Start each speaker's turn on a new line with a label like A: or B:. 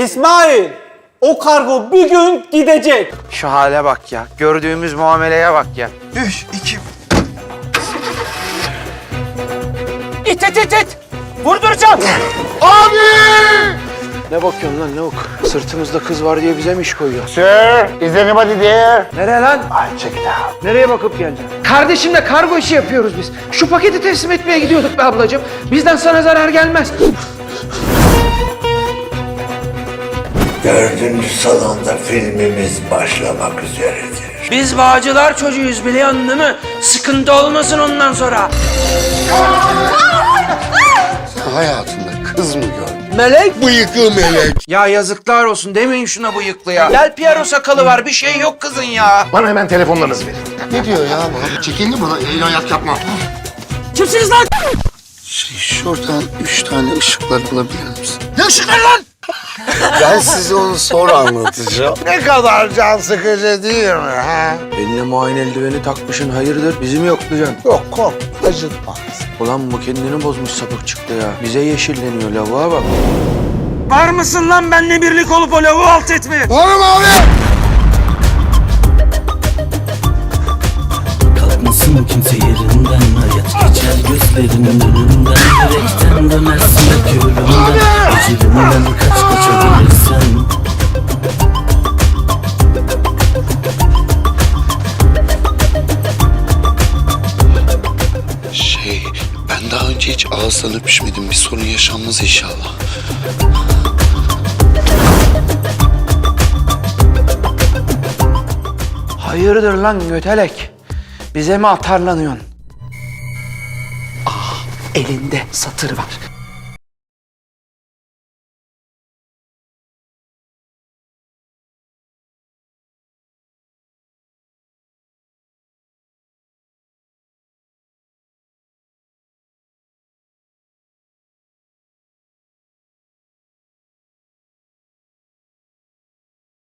A: İsmail, o kargo bir gün gidecek.
B: Şu hale bak ya. Gördüğümüz muameleye bak ya.
C: 3, 2...
A: İt. Vurduracağım.
B: Ne bakıyorsun lan lavuk? Sırtımızda kız var diye bize mi iş koyuyor?
C: Sir, is anybody there?
B: Nereye lan?
C: I check it out.
B: Nereye bakıp geleceksin? Kardeşimle kargo işi yapıyoruz biz. Şu paketi teslim etmeye gidiyorduk be ablacığım. Bizden sana zarar gelmez.
D: 4. salonda filmimiz başlamak üzeredir.
B: Biz Bağcılar çocuğuyuz biliyorsun değil mi? Sıkıntı olmasın ondan sonra.
C: Hayatında kız mı gördün?
B: Melek?
C: Bıyıklı melek.
B: Ya yazıklar olsun demeyin şuna bıyıklı ya. Del Piero sakalı var bir şey yok kızın ya.
C: Bana hemen telefonlarınızı verin. Ne diyor ya bu? Çekildi bana. El ayak yapma.
A: Kimsiniz lan?
C: Şuradan 3 tane ışıklar alabilir misin? Ne ışıklar lan? Ben size onu sonra anlatacağım. Ne kadar can sıkıcı değil mi ha?
B: Eline muayene eldiveni takmışsın hayırdır bizi mi yoklayacaksın?
C: Yok kork, acıtmaz.
B: Ulan bu kendini bozmuş sapık çıktı ya. Bize yeşilleniyor lavuğa bak. Var mısın lan benimle birlik olup o lavuğu alt etmeye?
C: Varım abi.
E: Kalkmasın kimse yerinden, hayat geçer gözlerinin önünden, yürekten dönersin belki ölümden, ecelinden kaçabilirsin.
C: Ben daha önce hiç ağızdan öpüşmedim. Bir sorun yaşanmaz inşallah.
B: Hayırdır lan götelek? Bize mi atarlanıyorsun? Elinde satır var.